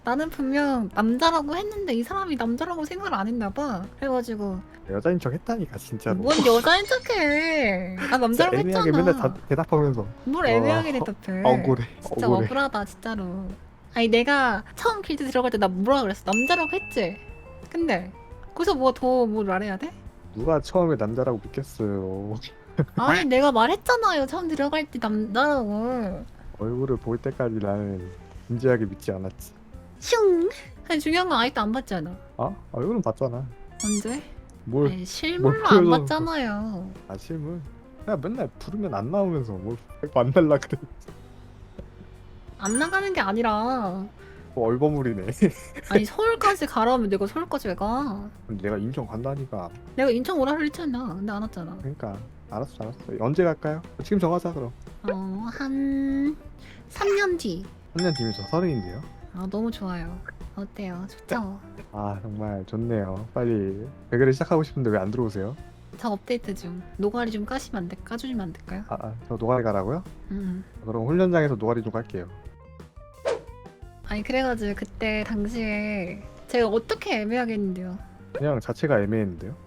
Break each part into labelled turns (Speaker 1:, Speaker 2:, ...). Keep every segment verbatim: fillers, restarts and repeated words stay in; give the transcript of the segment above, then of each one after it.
Speaker 1: 나는 분명 남자라고 했는데 이 사람이 남자라고 생각을 안 했나 봐. 그래가지고
Speaker 2: 여자인 척 했다니까 진짜로.
Speaker 1: 뭔 여자인 척해. 나 남자라고
Speaker 2: 진짜
Speaker 1: 했잖아.
Speaker 2: 애매하게 맨날 다, 대답하면서.
Speaker 1: 뭘
Speaker 2: 와,
Speaker 1: 애매하게 대답해.
Speaker 2: 억울해.
Speaker 1: 진짜
Speaker 2: 억울해.
Speaker 1: 억울하다 진짜로. 아니 내가 처음 길드 들어갈 때 나 뭐라 그랬어? 남자라고 했지? 근데 거기서 뭐 더 뭘 말해야 돼?
Speaker 2: 누가 처음에 남자라고 믿겠어요.
Speaker 1: 아니 내가 말했잖아요. 처음 들어갈 때 남자라고.
Speaker 2: 얼굴을 볼 때까지 나는 진지하게 믿지 않았지.
Speaker 1: 슝. 아니 중요한 건 아직도 안 봤잖아.
Speaker 2: 아? 얼굴은 봤잖아.
Speaker 1: 언제?
Speaker 2: 뭘?
Speaker 1: 아니 실물로 안
Speaker 2: 보여줘.
Speaker 1: 봤잖아요.
Speaker 2: 아 실물? 야 맨날 부르면 안 나오면서 뭘 만날라 그래.
Speaker 1: 안 나가는 게 아니라
Speaker 2: 뭐 얼버무리네.
Speaker 1: 아니 서울까지 가라면 내가 서울까지 왜 가?
Speaker 2: 내가 인천 간다니까.
Speaker 1: 내가 인천 오라 그랬잖아. 근데 안 왔잖아.
Speaker 2: 그러니까 알았어 알았어. 언제 갈까요? 지금 정하자 그럼.
Speaker 1: 어, 한 삼 년 뒤.
Speaker 2: 삼 년 뒤면 저 서른인데요.
Speaker 1: 아, 너무 좋아요. 어때요? 좋죠?
Speaker 2: 아 정말 좋네요. 빨리 배그를 시작하고 싶은데 왜 안 들어오세요?
Speaker 1: 저 업데이트 중. 노가리 좀 까시면 안 돼? 까주시면 안 될까요?
Speaker 2: 아, 아, 저 노가리 가라고요?
Speaker 1: 음.
Speaker 2: 그럼 훈련장에서 노가리 좀 갈게요.
Speaker 1: 아니 그래가지고 그때 당시에 제가 어떻게 애매하겠는데요?
Speaker 2: 그냥 자체가 애매했는데요.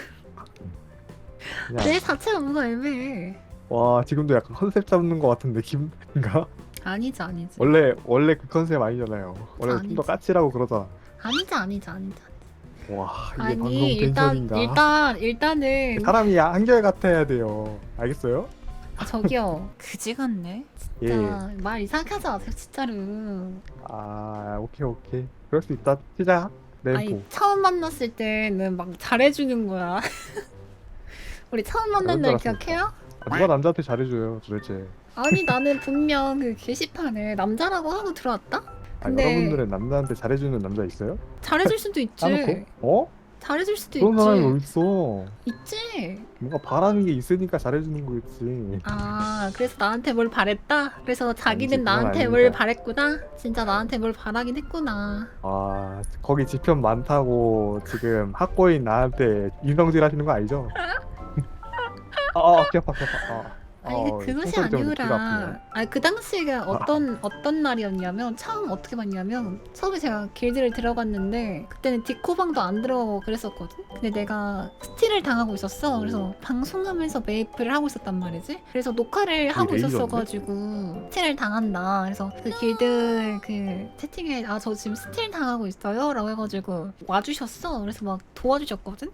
Speaker 2: 그냥
Speaker 1: 내 자체가 뭐가 애매해.
Speaker 2: 와 지금도 약간 컨셉 잡는 것 같은 느낌인가?
Speaker 1: 아니지 아니지.
Speaker 2: 원래 원래 그 컨셉 아니잖아요. 원래 좀
Speaker 1: 아니지.
Speaker 2: 더 까칠하고 그러잖아.
Speaker 1: 아니지 아니지 아니지.
Speaker 2: 와 이게
Speaker 1: 아니
Speaker 2: 방송
Speaker 1: 일단
Speaker 2: 텐션인가?
Speaker 1: 일단 일단은
Speaker 2: 사람이 한결 같아야 돼요. 알겠어요?
Speaker 1: 아, 저기요. 그지 같네.
Speaker 2: 예.
Speaker 1: 진짜 말 이상하게 하지 마세요 진짜로.
Speaker 2: 아 오케이 오케이. 그럴 수 있다. 시작. 램포.
Speaker 1: 아니 처음 만났을 때는 막 잘해주는 거야. 우리 처음 만난 날
Speaker 2: 그런 줄 알았습니다.
Speaker 1: 기억해요?
Speaker 2: 아, 누가 남자한테 잘해줘요 도대체.
Speaker 1: 아니 나는 분명 그 게시판에 남자라고 하고 들어왔다?
Speaker 2: 아,
Speaker 1: 근데
Speaker 2: 여러분들은 남자한테 잘해주는 남자 있어요?
Speaker 1: 잘해줄 수도 있지.
Speaker 2: 까놓고? 어?
Speaker 1: 잘해줄 수도
Speaker 2: 그런 사람이
Speaker 1: 있지.
Speaker 2: 어딨어?
Speaker 1: 있지.
Speaker 2: 뭔가 바라는 게 있으니까 잘해주는 거겠지.
Speaker 1: 아 그래서 나한테 뭘 바랬다? 그래서 자기는
Speaker 2: 아니지, 그건
Speaker 1: 나한테 뭘
Speaker 2: 아닙니다.
Speaker 1: 바랬구나? 진짜 나한테 뭘 바라긴 했구나.
Speaker 2: 아 거기 지편 많다고 지금 학고인 나한테 인성질 하시는 거 아니죠? 아, 아 귀 아파 귀 아파. 아,
Speaker 1: 아니
Speaker 2: 어,
Speaker 1: 그 그것이
Speaker 2: 총소리 때문에 귀가 아프네요.
Speaker 1: 아니라 아니 그 당시가 어떤 어떤 날이었냐면 처음 어떻게 봤냐면 처음에 제가 길드를 들어갔는데 그때는 디코방도 안 들어가고 그랬었거든. 근데 내가 스틸을 당하고 있었어. 그래서 방송하면서 메이플을 하고 있었단 말이지. 그래서 녹화를 하고
Speaker 2: 레이저인데?
Speaker 1: 있었어가지고 스틸을 당한다. 그래서 그 길드 그 채팅에 아 저 지금 스틸 당하고 있어요라고 해가지고 와주셨어. 그래서 막 도와주셨거든.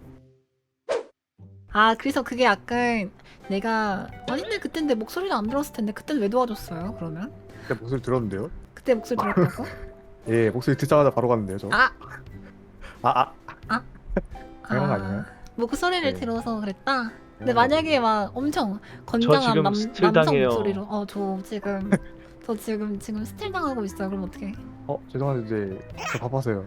Speaker 1: 아 그래서 그게 약간 내가 아닌데 그땐 내 목소리를 안 들었을 텐데 그땐 왜 도와줬어요 그러면?
Speaker 2: 그때 목소리 들었는데요?
Speaker 1: 그때 목소리 들었다고?
Speaker 2: 예 목소리 듣자마자 바로 갔는데요 저.
Speaker 1: 아!
Speaker 2: 아 아. 당연한 거 아니에요?
Speaker 1: 목소리를
Speaker 2: 네.
Speaker 1: 들어서 그랬다? 근데
Speaker 2: 당연한
Speaker 1: 만약에 막 엄청 건장한
Speaker 3: 지금
Speaker 1: 남,
Speaker 3: 스틸
Speaker 1: 남성
Speaker 3: 당해요.
Speaker 1: 목소리로 어 저 지금 저 지금 지금 스틸 당하고 있어요 그럼 어떡해?
Speaker 2: 어 죄송한데 이제 저 바빠서요.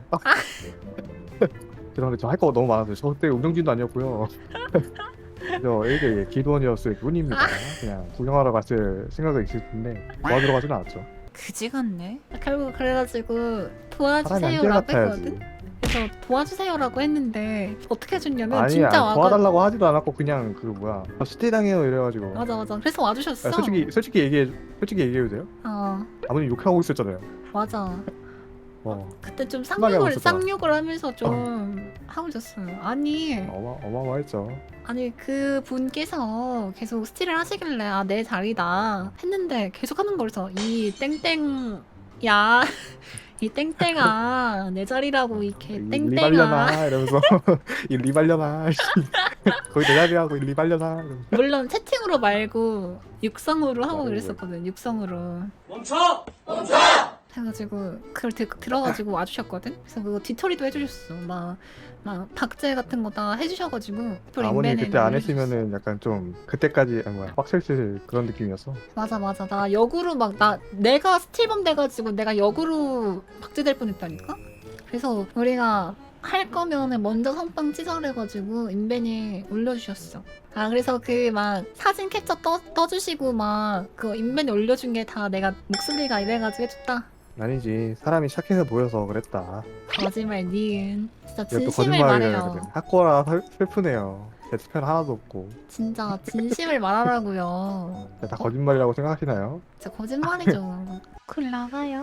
Speaker 2: 죄송한데 저 할 거 너무 많아서요. 저 그때 운영진도 아니었고요. 저 일개 기도원이었을 뿐입니다. 그냥 구경하러 갔을 생각은 있을 텐데 도와주러 가진 않았죠.
Speaker 1: 그지 같네. 결국 그래가지고
Speaker 2: 사람이
Speaker 1: 도와주세요라고
Speaker 2: 한결같아야지.
Speaker 1: 했거든? 그래서 도와주세요라고 했는데 어떻게 해줬냐면
Speaker 2: 아니
Speaker 1: 진짜
Speaker 2: 아,
Speaker 1: 와가
Speaker 2: 도와달라고 하지도 않았고 그냥 그 뭐야 저 스테이당해요 이래가지고.
Speaker 1: 맞아 맞아 그래서 와주셨어.
Speaker 2: 아, 솔직히 솔직히 얘기해 솔직히 얘기해도 돼요?
Speaker 1: 어
Speaker 2: 아버님 욕하고 있었잖아요.
Speaker 1: 맞아.
Speaker 2: 어
Speaker 1: 그때 좀
Speaker 2: 심하게 하고
Speaker 1: 쌍욕을
Speaker 2: 있었잖아.
Speaker 1: 쌍욕을 하면서 좀 하고 있었어요. 아니
Speaker 2: 어마 어마어마했죠.
Speaker 1: 아니 그 분께서 계속 스틸을 하시길래 아 내 자리다 했는데 계속 하는 거라서 이 땡땡 야 이 땡땡아 내 자리라고 이렇게
Speaker 2: 이
Speaker 1: 땡땡아
Speaker 2: 리발려나 이러면서 이 리발려나 거기 내 자리하고 이 리발려나 이러면서.
Speaker 1: 물론 채팅으로 말고 육성으로 하고
Speaker 2: 말고.
Speaker 1: 그랬었거든 육성으로
Speaker 4: 멈춰! 멈춰!
Speaker 1: 해가지고 그걸 들, 들어가지고 와주셨거든. 그래서 그거 뒤처리도 해주셨어. 막, 막 박제 같은 거 다 해주셔가지고.
Speaker 2: 아버님
Speaker 1: 인벤에
Speaker 2: 그때 안
Speaker 1: 올려주셨어.
Speaker 2: 했으면은 약간 좀 그때까지 아 뭐야 빡셀쓸 그런 느낌이었어.
Speaker 1: 맞아 맞아 나 역으로 막 나 내가 스틸범 돼가지고 내가 역으로 박제될 뻔했다니까. 그래서 우리가 할 거면은 먼저 선빵 찌설해가지고 인벤에 올려주셨어. 아 그래서 그 막 사진 캡처 떠, 떠주시고 막 그 인벤에 올려준 게 다 내가 목소리가 이래가지고 해줬다.
Speaker 2: 아니지 사람이 착해서 보여서 그랬다.
Speaker 1: 거짓말 니은 진짜
Speaker 2: 이거 또
Speaker 1: 진심을
Speaker 2: 거짓말이라
Speaker 1: 말해요.
Speaker 2: 학고라 슬- 슬프네요. 제 편 하나도 없고
Speaker 1: 진짜 진심을 말하라고요.
Speaker 2: 다 거짓말이라고 생각하시나요?
Speaker 1: 진짜 거짓말이죠. 글 나가요.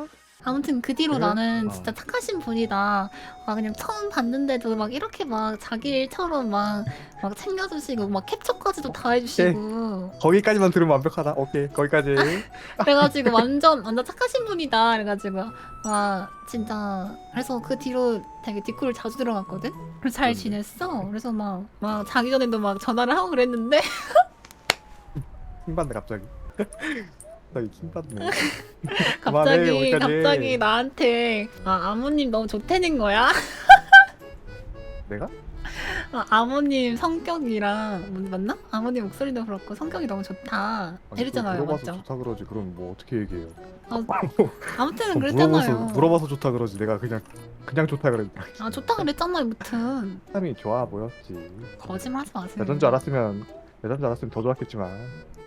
Speaker 1: 아무튼 그 뒤로
Speaker 2: 그래?
Speaker 1: 나는
Speaker 2: 어.
Speaker 1: 진짜 착하신 분이다. 막 그냥 처음 봤는데도 막 이렇게 막 자기 일처럼 막, 막 챙겨주시고 막 캡처까지도 다 해주시고
Speaker 2: 거기까지만 들으면 완벽하다. 오케이 거기까지.
Speaker 1: 그래가지고 완전 완전 착하신 분이다. 그래가지고 와 진짜 그래서 그 뒤로 되게 뒷골을 자주 들어갔거든. 그래서 잘
Speaker 2: 그런데.
Speaker 1: 지냈어. 그래서 막 막 자기 전에도 막 전화를 하고 그랬는데
Speaker 2: 킹받네 갑자기. 갑자기 킹받네. 그만해,
Speaker 1: 갑자기
Speaker 2: 여기까지.
Speaker 1: 갑자기 나한테 아 아모님 너무 좋다는 거야.
Speaker 2: 내가?
Speaker 1: 아, 아모님 성격이랑 뭐, 맞나? 아모님 목소리도 그렇고 성격이 너무 좋다.
Speaker 2: 아니,
Speaker 1: 이랬잖아요,
Speaker 2: 그걸 물어봐서
Speaker 1: 맞죠?
Speaker 2: 좋다 그러지. 그럼 뭐 어떻게 얘기해요?
Speaker 1: 아, 아무튼
Speaker 2: 어,
Speaker 1: 그랬잖아요.
Speaker 2: 물어봐서 물어봐서 좋다 그러지. 내가 그냥 그냥 좋다 그러니까.
Speaker 1: 아 좋다 그랬잖아요, 무튼
Speaker 2: 사람이 좋아 보였지.
Speaker 1: 거짓말하지 마세요.
Speaker 2: 여잔 줄 알았으면 여잔 줄 알았으면 더 좋았겠지만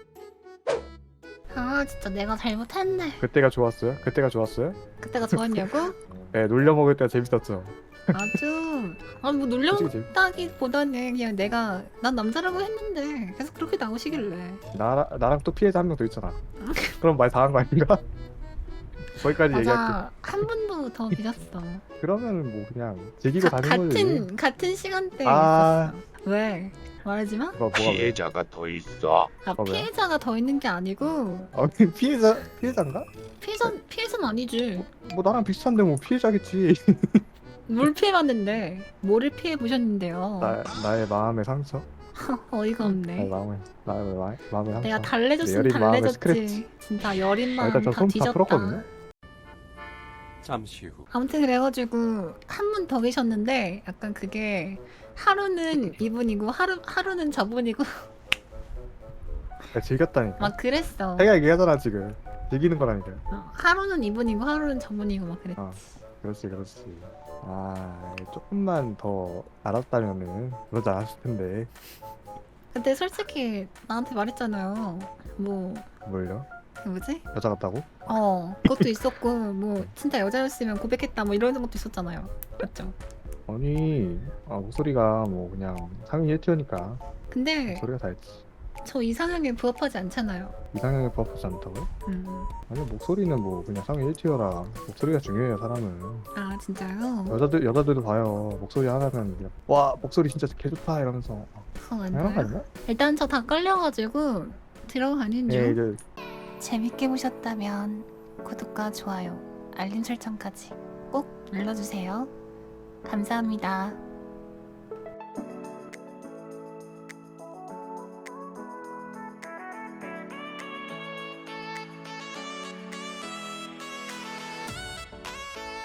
Speaker 1: 아 진짜 내가 잘못했네.
Speaker 2: 그때가 좋았어요? 그때가 좋았어요?
Speaker 1: 그때가 좋았냐고?
Speaker 2: 네, 놀려 먹을 때가 재밌었죠.
Speaker 1: 아주 아뭐
Speaker 2: 솔직히 재밌-
Speaker 1: 놀렸다기보다는 그냥 내가 난 남자라고 했는데 계속 그렇게 나오시길래
Speaker 2: 나 나랑 또 피해자 한 명 더 있잖아. 그럼 말 당한 거 아닌가? 거기까지 얘기할게.
Speaker 1: 맞아 한 분도 더 믿었어.
Speaker 2: 그러면은 뭐 그냥 즐기고
Speaker 1: 가,
Speaker 2: 다니는 거지.
Speaker 1: 같은 같은 시간대에
Speaker 2: 아.
Speaker 1: 있었어. 왜? 말하지 마?
Speaker 2: 뭐가 뭐가 왜?
Speaker 3: 피해자가 더 있어.
Speaker 1: 아,
Speaker 2: 어, 왜요?
Speaker 1: 피해자가 더 있는 게 아니고
Speaker 2: 아, 피해자 피해자인가?
Speaker 1: 피해자 피해자는 아니지.
Speaker 2: 뭐 나랑 비슷한데 뭐 피해자겠지.
Speaker 1: 뭘 피해봤는데 뭐를 피해 보셨는데요?
Speaker 2: 나 나의 마음의 상처.
Speaker 1: 어이가
Speaker 2: 나의
Speaker 1: 없네.
Speaker 2: 마음의 나의 마- 마음의 상처.
Speaker 1: 내가 달래줬으면
Speaker 2: 여린 마음의
Speaker 1: 달래줬지.
Speaker 2: 스크래치.
Speaker 1: 진짜 여린
Speaker 2: 아,
Speaker 1: 마음
Speaker 2: 일단
Speaker 1: 다
Speaker 2: 저손다
Speaker 1: 뒤졌다.
Speaker 2: 풀었거든요.
Speaker 3: 잠시 후.
Speaker 1: 아무튼 그래가지고 한 분 더 계셨는데 약간 그게 하루는 이분이고 하루 하루는 저분이고
Speaker 2: 내가 즐겼다니까.
Speaker 1: 막 그랬어.
Speaker 2: 자기가 얘기하잖아 지금. 즐기는 거라니까.
Speaker 1: 어, 하루는 이분이고 하루는 저분이고 막 그랬지.
Speaker 2: 어. 그렇지 그렇지. 아 조금만 더 알았다면은 그러지 않았을 텐데.
Speaker 1: 근데 솔직히 나한테 말했잖아요. 뭐
Speaker 2: 뭘요?
Speaker 1: 그 뭐지?
Speaker 2: 여자 같다고?
Speaker 1: 어 그것도 있었고 뭐 진짜 여자였으면 고백했다 뭐 이런 것도 있었잖아요. 맞죠?
Speaker 2: 아니 아, 목소리가 뭐 그냥 상위 일 티어니까
Speaker 1: 근데
Speaker 2: 목소리가 다 했지.
Speaker 1: 저 이상형에 부합하지 않잖아요.
Speaker 2: 이상형에 부합하지 않다고요?
Speaker 1: 음.
Speaker 2: 아니 목소리는 뭐 그냥 상위 일 티어라 목소리가 중요해요 사람은.
Speaker 1: 아 진짜요?
Speaker 2: 여자들 여자들도 봐요. 목소리 하나면 그냥 와 목소리 진짜 개 좋다 이러면서
Speaker 1: 그거 안
Speaker 2: 당연한 거
Speaker 1: 돼요?
Speaker 2: 아니야?
Speaker 1: 일단 저 다 끌려가지고 들어가는 중.
Speaker 2: 예 이제
Speaker 1: 재밌게 보셨다면 구독과 좋아요, 알림 설정까지 꼭 눌러주세요. 감사합니다.